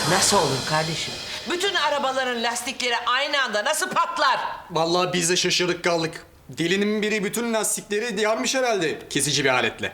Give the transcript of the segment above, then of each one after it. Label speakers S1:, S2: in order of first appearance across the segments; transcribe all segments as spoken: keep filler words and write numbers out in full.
S1: Nasıl olur kardeşim? Bütün arabaların lastikleri aynı anda nasıl patlar?
S2: Vallahi biz de şaşırdık kaldık. Delinin biri bütün lastikleri yarmış herhalde kesici bir aletle.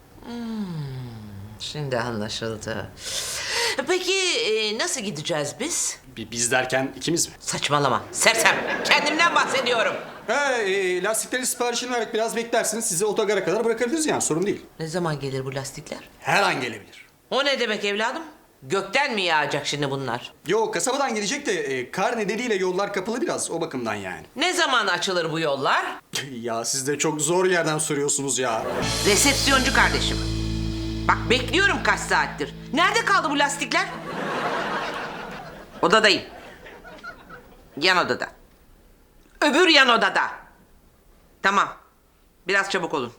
S1: Şimdi anlaşıldı. Peki e, nasıl gideceğiz biz?
S2: Bi- Biz derken ikimiz mi?
S1: Saçmalama. Sersem. Kendimden bahsediyorum.
S2: He, e, lastikleri siparişini vererek biraz beklersiniz. Sizi otogara kadar bırakabiliriz yani, sorun değil.
S1: Ne zaman gelir bu lastikler?
S2: Her an gelebilir.
S1: O ne demek evladım? Gökten mi yağacak şimdi bunlar?
S2: Yo, kasabadan gelecek de e, kar nedeniyle yollar kapalı biraz, o bakımdan yani.
S1: Ne zaman açılır bu yollar?
S2: Ya siz de çok zor yerden soruyorsunuz ya.
S1: Resepsiyoncu kardeşim. Bak bekliyorum kaç saattir. Nerede kaldı bu lastikler? Odadayım. Yan odada. Öbür yan odada. Tamam. Biraz çabuk olun.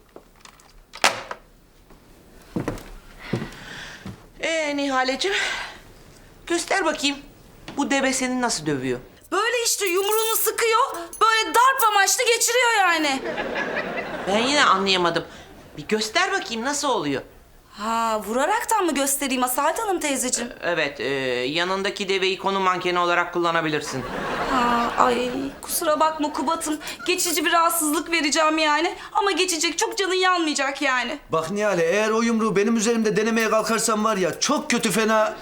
S1: Ee Nihaleciğim. Göster bakayım. Bu deve seni nasıl dövüyor?
S3: Böyle işte yumruğunu sıkıyor, böyle darp amaçlı geçiriyor yani.
S1: Ben yine anlayamadım. Bir göster bakayım nasıl oluyor?
S3: Ha, vuraraktan mı göstereyim Asalet Hanım teyzeciğim?
S1: Evet, e, yanındaki deveyi konu mankeni olarak kullanabilirsin.
S3: Ha, ay kusura bakma Kubat'ım. Geçici bir rahatsızlık vereceğim yani. Ama geçecek, çok canın yanmayacak yani.
S4: Bak Nihale, eğer o yumruğu benim üzerimde denemeye kalkarsan var ya, çok kötü fena...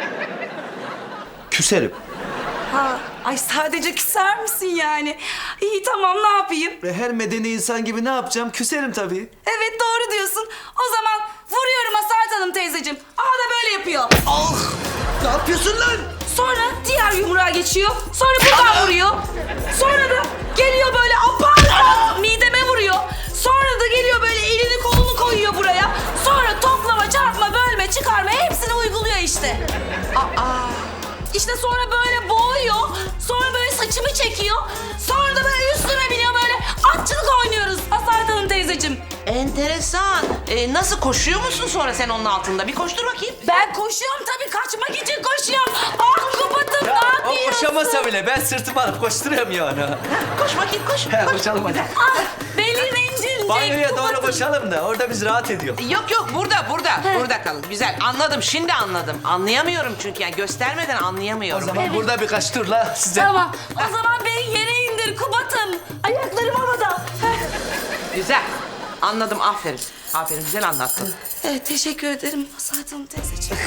S4: küserim.
S3: Ha, ay sadece küser misin yani? İyi tamam, ne yapayım?
S4: Ve her medeni insan gibi ne yapacağım? Küserim tabii.
S3: Evet doğru diyorsun. O zaman vuruyorum Asalet Hanım teyzeciğim. Aa da böyle yapıyor.
S4: Ah! Ne yapıyorsun lan?
S3: Sonra diğer yumruğa geçiyor. Sonra buradan vuruyor. Sonra da geliyor böyle apar mideme vuruyor. Sonra da geliyor böyle elini kolunu koyuyor buraya. Sonra toplama, çarpma, bölme, çıkarma hepsini uyguluyor işte. Aa. İşte sonra böyle boğuyor. Sonra böyle saçımı çekiyor. Sonra da böyle üstüme biniyor, böyle atçılık oynuyoruz Asalet Hanım teyzeciğim.
S1: Enteresan. E, nasıl koşuyor musun sonra sen onun altında? Bir koştur bakayım.
S3: Ben koşuyorum tabii, kaçmak için koşuyorum. Ah Kubat'ım, ne
S4: O
S3: yapıyorsun?
S4: koşamasa bile ben sırtımı alıp koşturuyorum yani.
S1: Koş bakayım koş.
S4: He,
S1: koş.
S4: koşalım hadi.
S3: Ah belin incinecek.
S4: Banyoya doğru
S3: Kubat'ım.
S4: koşalım da orada biz rahat ediyor.
S1: Yok yok burada burada. Burada kalın. Güzel anladım şimdi anladım. Anlayamıyorum çünkü yani göstermeden
S4: O
S1: anlayamıyorum.
S4: zaman burada birkaç tur la size.
S3: Tamam. O zaman beni yere indir Kubat'ım. Ayaklarım havada. Heh.
S1: Güzel. Anladım aferin. Aferin güzel anlattın.
S3: Evet, teşekkür ederim Asalet Hanım teyzeciğim.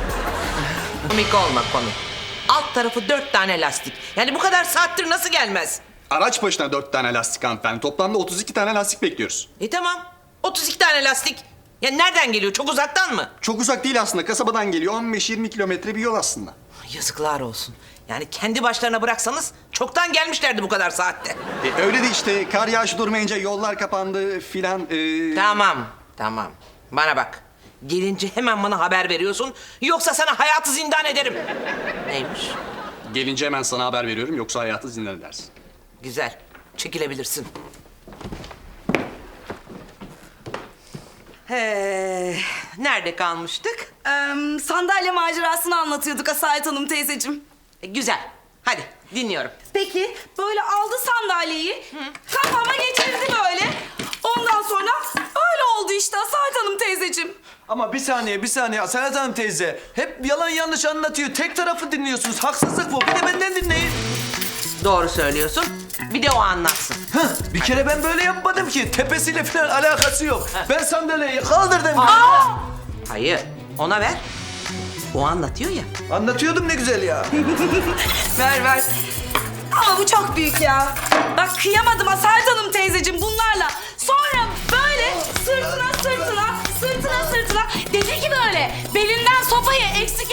S1: Komik olma komik. Alt tarafı dört tane lastik. Yani bu kadar saattir nasıl gelmez?
S2: Araç başına dört tane lastik hanımefendi. Toplamda otuz iki tane lastik bekliyoruz.
S1: E tamam. otuz iki tane lastik. Ya nereden geliyor? Çok uzaktan mı?
S2: Çok uzak değil aslında, kasabadan geliyor. on beş yirmi kilometre bir yol aslında.
S1: Yazıklar olsun. Yani kendi başlarına bıraksanız çoktan gelmişlerdi bu kadar saatte.
S2: E, öyle de işte kar yağışı durmayınca yollar kapandı filan. E...
S1: Tamam, tamam. Bana bak. Gelince hemen bana haber veriyorsun. Yoksa sana hayatı zindan ederim. Neymiş?
S2: Gelince hemen sana haber veriyorum, yoksa hayatı zindan edersin.
S1: Güzel. Çekilebilirsin. He, nerede kalmıştık?
S3: Ee, sandalye macerasını anlatıyorduk Asalet Hanım teyzeciğim.
S1: E, güzel. Hadi dinliyorum.
S3: Peki böyle aldı sandalyeyi, kafama geçirdi böyle. Ondan sonra öyle oldu işte Asalet Hanım teyzeciğim.
S4: Ama bir saniye bir saniye Asalet Hanım teyze. Hep yalan yanlış anlatıyor. Tek tarafı dinliyorsunuz. Haksızlık bu. Bir de benden dinleyin.
S1: Doğru söylüyorsun. Bir de o anlatsın.
S4: Hah, bir kere ben böyle yapmadım ki. Tepesiyle falan alakası yok. Ben sandalyeyi kaldırdım.
S1: Hayır. Ona ver. O anlatıyor ya.
S4: Anlatıyordum ne güzel ya.
S3: Ver ver. Ama bu çok büyük ya. Bak kıyamadım Asalet Hanım teyzeciğim bunlarla. Sonra böyle sırtına sırtına, sırtına sırtına dedi ki böyle belinden sopayı eksik